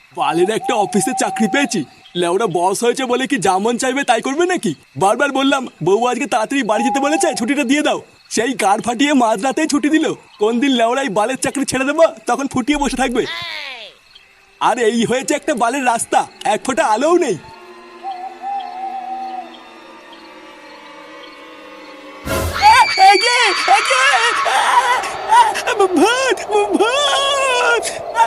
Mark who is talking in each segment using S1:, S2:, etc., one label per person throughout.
S1: বালের একটা অফিসে চাকরি পেয়েছি। লেওরা বস হয়েছে বলে কি যেমন চাইবে তাই করবে নাকি? বারবার বললাম বউ আজকে তাড়াতাড়ি বাড়ি যেতে বলেছে, ছুটিটা দিয়ে দাও। সেই গাড় ফাটিয়ে মাঝরাতেই ছুটি দিল। কোন দিন লেওরা এই বালের চাকরি ছেড়ে দেবো তখন ফুটিয়ে বসে থাকবে। আর এই হয়েছে একটা বালের রাস্তা, এক ফোঁটা আলোও নেই। ভূত ভূত!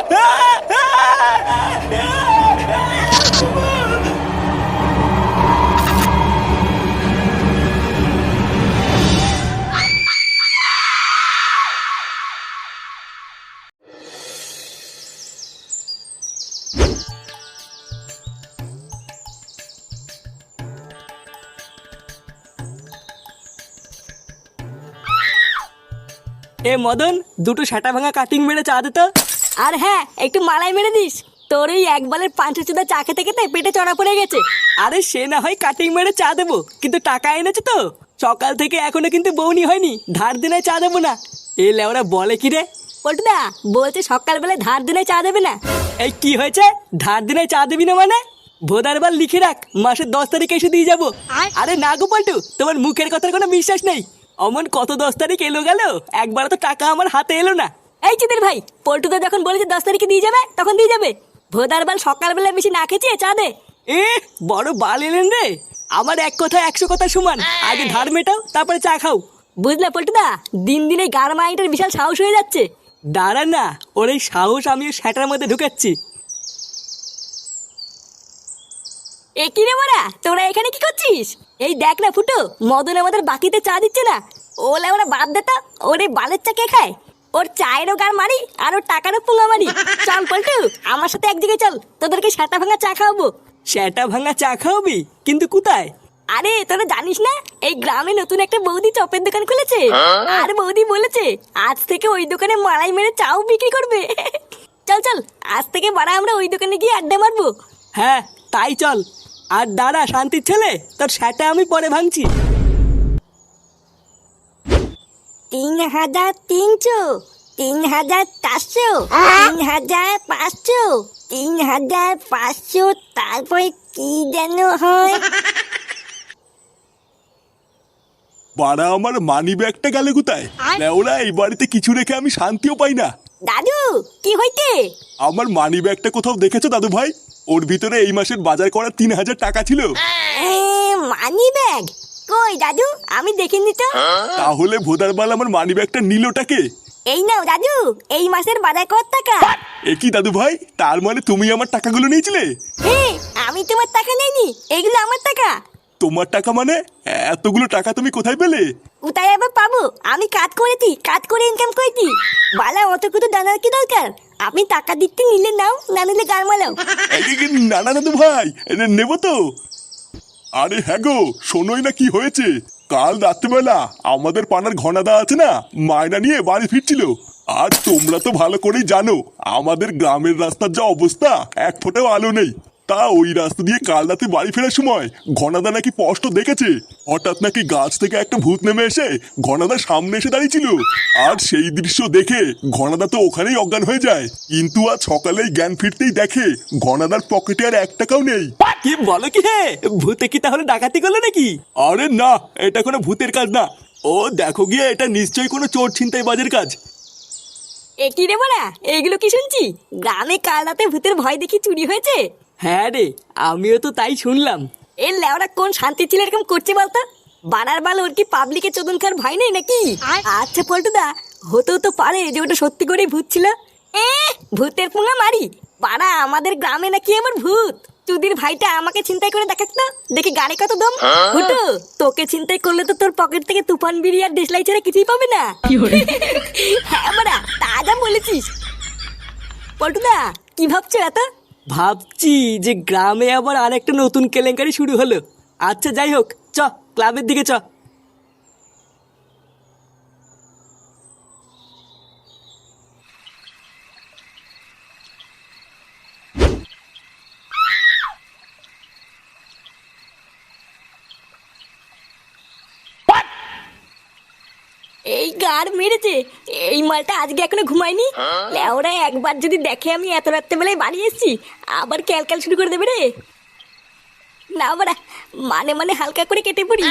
S2: এ মদন, দুটো সাটা ভাঙা কাটিং মেরে চা দে তো। আর হ্যাঁ, একটু মালাই মেরে দিস। তোর এই একবারের পাঁচটা চুদা চা খেতে খেতে পেটে চড়া পড়ে গেছে। আরে সে না হয় কাটিং মেরে চা দেবো, কিন্তু টাকা এনেছে তো। সকাল থেকে এখনো কিন্তু বউনি হয়নি, ধার দিনে চা দেবো না। এ লেওরা বলে কি রে? পল্টুদা বলছে সকালবেলায় ধার দিনে চা দেবে না। এই কি হয়েছে? ধার দিনে চা দিবি না মানে? ভোদার বার লিখে রাখ, মাসের 10 তারিখে এসে দিয়ে যাবো। আরে না গো পল্টু, তোমার মুখের কথার কোনো বিশ্বাস নেই। অমন কত 10 তারিখ এলো গেল, একবার তো টাকা আমার হাতে এলো না। এই চিদের ভাই, পল্টুদা যখন বলেছে 10 তারিখে দিয়ে যাবে তখন দিয়ে যাবে। ভোদার বাল সকালবেলা বেশি না খেয়েছে চা দে। এ বড় বাল এলেন রে। আমার এক কথা 100 কথা সমান। আগে ধার মেটাও, তারপরে চা খাও। বুঝলে পল্টুদা, দিন দিন এই গার মাইটার বিশাল সাহস হয়ে যাচ্ছে। দাঁড়া না, ওর এই সাহস আমি সেটার মধ্যে ঢুকাচ্ছি। এ কি রে বড়া, তোরা এখানে কি করছিস? এই দেখ না ফুটো, মদন আমাদের বাকিতে চা দিচ্ছে না। ওলে ওরা বাদ দে তো, ওরে বালের চা কে খায়? ওর চায়েরও গার মারি আর ওর টাকারও পুঙ্গা মারি। চল পল্টু, আমার সাথে এক জায়গায় চল, তোদেরকে সেটা ভাঙা চা খাওয়াবো। সেটা ভাঙা চা খাওয়াবি? কিন্তু কোথায়? আরে তোরা জানিস না, এই গ্রামে নতুন একটা বৌদি চপের দোকান খুলেছে। আর বৌদি বলেছে আজ থেকে ওই দোকানে মালাই মেরে চাও বিক্রি করবে। চল চল, আজ থেকে বাড়া আমরা ওই দোকানে গিয়ে আড্ডা মারবো। হ্যাঁ তাই চল। আর দাঁড়া শান্তির ছেলে, তোর সেটা আমি পরে ভাঙছি।
S3: 3,300, 3,400, 3,500, 3,500, তারপরে কি যেন হয়।
S1: বাড়া আমার মানি ব্যাগটা গেলে কোথায়? লেওরা এই বাড়িতে কিছু রেখে আমি শান্তিও পাই না।
S3: দাদু কি হইতে?
S1: আমার মানি ব্যাগটা কোথাও দেখেছো দাদু ভাই? ওর ভিতরে এই মাসের বাজার করা 3,000 টাকা ছিল।
S3: মানি ব্যাগ কই দাদু? আমি দেখিনি তো।
S1: তাহলে ভোদারবাল আমার মানি ব্যাগটা নিলটাকে?
S3: এই নাও দাদু, এই মাসের বাজার কত টাকা।
S1: এ কি দাদু ভাই, তার মানে তুমি আমার টাকাগুলো নিয়েছিলে?
S3: হ্যাঁ, আমি তোমার টাকা নেইনি, এগুলো আমার টাকা।
S1: তোমার টাকা মানে? এতগুলো টাকা তুমি কোথায় পেলে?
S3: কোথায় আবার পাবো? আমি কাজ করেছি, কাজ করে ইনকাম করেছি। বালা অত কিছু জানার কি দরকার? আপনি টাকা দিতে নিলে নাও, না নিলে গাল মালাও।
S1: না না দাদু ভাই, নেবো তো। আরে হ্যাঁ গো, শোনোই না কি হয়েছে। কাল রাত্রিবেলা আমাদের পাড়ার ঘনাদা আছে না, মায়না নিয়ে বাড়ি ফিরছিল। আর তোমরা তো ভালো করেই জানো আমাদের গ্রামের রাস্তার যা অবস্থা, এক ফোঁটাও আলো নেই। তা ওই রাস্তা দিয়ে কাল রাতে বাড়ি ফেরার সময় ঘনাদা নাকি স্পষ্ট দেখেছে হঠাৎ নাকি গাছ থেকে একটা ভূত নেমে এসে ঘনাদার সামনে এসে দাঁড়িয়েছিল। আর সেই দৃশ্য দেখে ঘনাদা তো ওখানেই অজ্ঞান হয়ে যায়। কিন্তু আজ সকালেই জ্ঞান ফিরতেই দেখে ঘনাদার পকেটে আর 1 টাকাও নেই।
S2: কি বলো কি হে? ভূতে কি তাহলে ডাকাতি করলো নাকি?
S1: আরে না, এটা কোনো ভূতের কাজ না। ও দেখো গিয়ে, এটা নিশ্চয়ই কোনো চোর ছিনতাই বাজের কাজ।
S3: এ কি রে বড়া, এগুলো কি শুনছি? গ্রামে কাল রাতে ভূতের ভয় দেখি চুরি হয়েছে।
S2: হ্যাঁ রে, আমিও তো তাই শুনলাম।
S3: এর লেওরা কোন শান্তি ছিল এরকম করছে বলতো? বানার বাল ওর কি পাবলিকে চোদন খার ভয় নেই নাকি? আচ্ছা পল্টুদা, হতেও তো পারে যে ওটা সত্যি করেই ভূত ছিল। ভূতের পুঙ্গা মারি? পাড়া আমাদের গ্রামে নাকি আমার ভূত? চুদির ভাইটা আমাকে চিন্তাই করে দেখাক তো, দেখি গাড়ি কত দম। হুটু, তোকে চিন্তাই করলে তো তোর পকেট থেকে তুফান বিড়ি আর দেশলাই ছাড়া কিছুই পাবে না। হ্যাঁ বাড়া, তা যা বলেছিস। পল্টুদা কি ভাবছো এত?
S2: ভাবছি যে গ্রামে আবার আরেকটা নতুন কেলেঙ্কারি শুরু হলো। আচ্ছা যাই হোক, চ ক্লাবের দিকে চ।
S3: এই গার মেরেছে। এই মালটা আজকে এখনো ঘুমায়নি। লেওরা একবার যদি দেখে আমি এত রাত্রে বেলায় বাড়ি এসেছি, আবার ক্যালক্যাল শুরু করে দেবে রে। না বাড়া, মানে মানে হালকা করে কেটে পড়ি।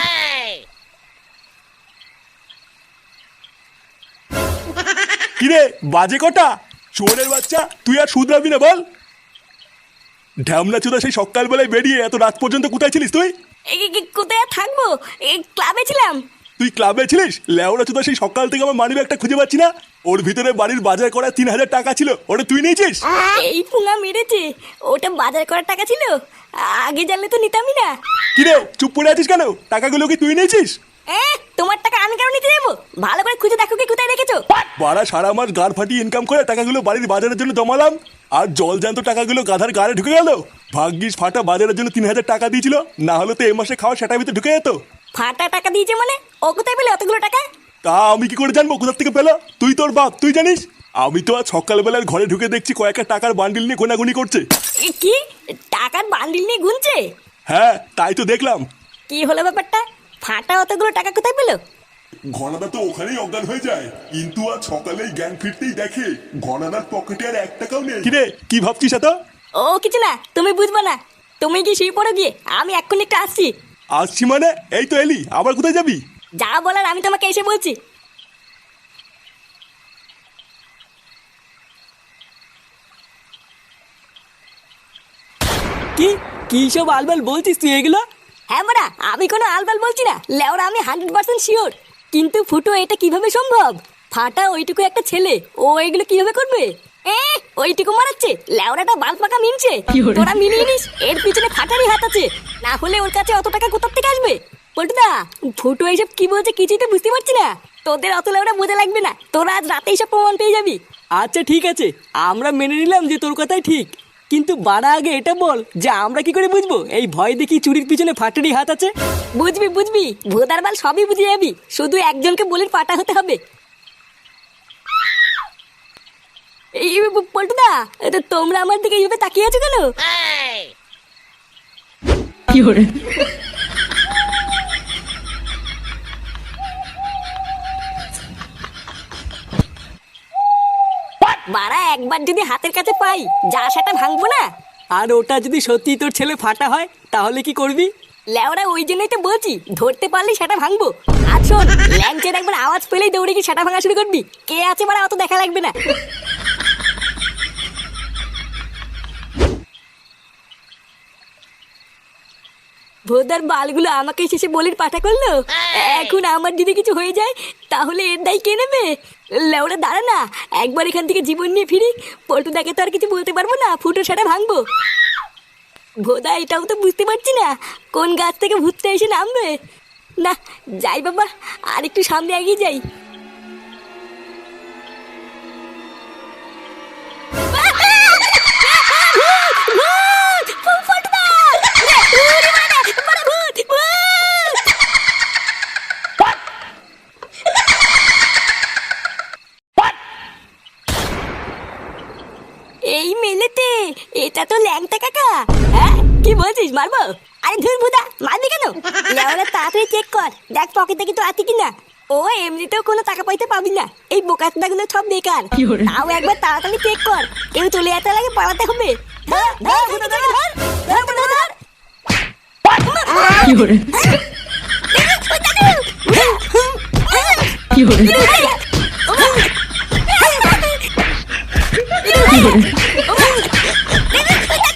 S1: কিরে বাজে কটা? চোরের বাচ্চা, তুই আর শুধরাবি না বল। ঢ্যামলা চোদা সেই সকালবেলায় বেরিয়ে এত রাত পর্যন্ত কোথায় ছিলিস তুই?
S3: কোথায় আর থাকবো, এই ক্লাবে ছিলাম।
S1: তুই ক্লাবে ছিলিস? লেওড়া চোদা সেই সকাল থেকে আমার মানি ব্যাগটা খুঁজে পাচ্ছি না। ওর ভিতরে বাড়ির বাজার করা 3,000 টাকা ছিল, ওটা তুই নিয়েছিস?
S3: এই পুঙা মেরেছে। ওটা বাজার করার টাকা ছিল, আগে জানলে তো নিতামই না।
S1: কিরে চুপ করে আছিস কেন? টাকাগুলো কি তুই নিয়েছিস?
S3: তোমার টাকা আমি কেন নিতে যাবো? ভালো করে খুঁজে দেখো কি কোথায় রেখেছো।
S1: বাড়া সারা মাস গাড় ফাটিয়ে ইনকাম করে টাকাগুলো বাড়ির বাজারের জন্য জমালাম, আর জল জ্যান্ত টাকাগুলো গাধার গাড়ে ঢুকে গেল। ভাগ্যিস ফাটা বাজারের জন্য 3,000 টাকা দিয়েছিল, না হলে তো এই মাসে খাওয়া সেটার ভিতরে ঢুকে যেত।
S3: ফাটা টাকা দিয়েছে মানে? ও কোথায় পেলে অতগুলো টাকা?
S1: তা আমি কি করে জানবো কোথা থেকে পেলো? তুই তোর বাপ, তুই জানিস? আমি তো আজ সকালবেলার ঘরে ঢুকে দেখছি কয়েকটা টাকার বান্ডিল নিয়ে গোনাগুনি করছে।
S3: কি টাকার বান্ডিল নিয়ে গুনছে?
S1: হ্যাঁ তাই তো দেখলাম।
S3: কি হলো ব্যাপারটা? ফাটা অতগুলো টাকা কোথায় পেলো?
S1: ঘনাদা তো ওখানেই অজ্ঞান হয়ে যায়, কিন্তু আজ সকালেই জ্ঞান ফিরতেই দেখে ঘনাদার পকেটে আর 1 টাকাও নেই। কিরে কি ভাবছিস এত?
S3: ও কিছু না, তুমি বুঝবা না। তুমি কি শুয়ে পড়ো গিয়ে, আমি এক্ষুনি একটু আসছি।
S1: আসছি মানে? এই তো এলি, আবার কোথায় যাবি?
S3: যা বলার আমি তোমাকে এসে বলছি।
S2: কি কি সব আলবাল বলছিস তুই এগুলো?
S3: হ্যাঁ বড়া, আমি কোনো আলবাল বলছি না। লেওরা আমি 100% শিওর। কিন্তু ফুটো, এটা কিভাবে সম্ভব? ফাটা ওইটুকু একটা ছেলে, ও এগুলো কিভাবে করবে? ওইটুকু মারাচ্ছে? লেওরাটা বাল পাকা মিনছে। তোরা মিলিয়ে নিস, এর পিছনে ফাটারই হাত আছে। না হলে ওর কাছে অত টাকা কোথা থেকে আসবে? পল্টুদা, ফুটো এইসব কি বলছে কিছুই তো বুঝতে পারছি না। তোদের অত লেওরা বোঝা লাগবে না, তোরা আজ রাতে এইসব প্রমাণ পেয়ে যাবি।
S2: আচ্ছা ঠিক আছে, আমরা মেনে নিলাম যে তোর কথাই ঠিক, কিন্তু বাড়া আগে এটা বল যে আমরা কি করে বুঝবো এই ভয় দেখি চুরির পিছনে ফাটারই হাত আছে?
S3: বুঝবি বুঝবি, ভোদার বাল সবই বুঝে যাবি। শুধু একজনকে বলির পাটা হতে হবে। এই পল্টুদা, তোমরা আমার দিকে এইভাবে তাকিয়ে আছো কেন?
S2: কি করে?
S3: বাড়া একবার যদি হাতের কাছে পাই, যা সেটা ভাঙবো না।
S2: আর ওটা যদি সত্যি তোর ছেলে ফাটা হয় তাহলে কি করবি?
S3: লেওরা ওই জন্যই তো বলছি, ধরতে পারলেই সেটা ভাঙবো। আর শোন, ল্যাংচের একবার আওয়াজ পেলেই দৌড়ে কি সেটা ভাঙা শুরু করবি। কে আছে বাড়া অত দেখা লাগবে না। ভোদার বালগুলো আমাকে শেষে বলির পাঠা করলো। এখন আমার যদি কিছু হয়ে যায় তাহলে এর দায় কে নেবে? লেওরা দাঁড়া না, একবার এখান থেকে জীবন নিয়ে ফিরি। পল্টুদাকে তো আর কিছু বলতে পারবো না, ফুটো সেটা ভাঙবো। ভোদা এটাও তো বুঝতে পারছি না কোন গাছ থেকে ভূতটা এসে নামবে। না, যাই বাবা, আর একটু সামনে এগিয়ে যাই। এই মেলেতে এটা তো ল্যাংটা কাকা। হ্যাঁ কি বলছিস, মারবো? আরে ধুর ভুদা, মারবি কেন? লেওরা তাড়াতাড়ি চেক কর, দেখ পকেটে কিছু আছে কিনা। ও এমনিতেও কোনো টাকা পয়সা পাবি না, এই বোকাচোদা গুলো সব বেকার। তাও একবার তাড়াতাড়ি চেক কর, কেউ চলে যেতে লাগে পালাতে হবে। ধর ধর ভুদা, ধর ধর ধর ভুদা, ধর।
S2: কি করে? কি করে? কি করে?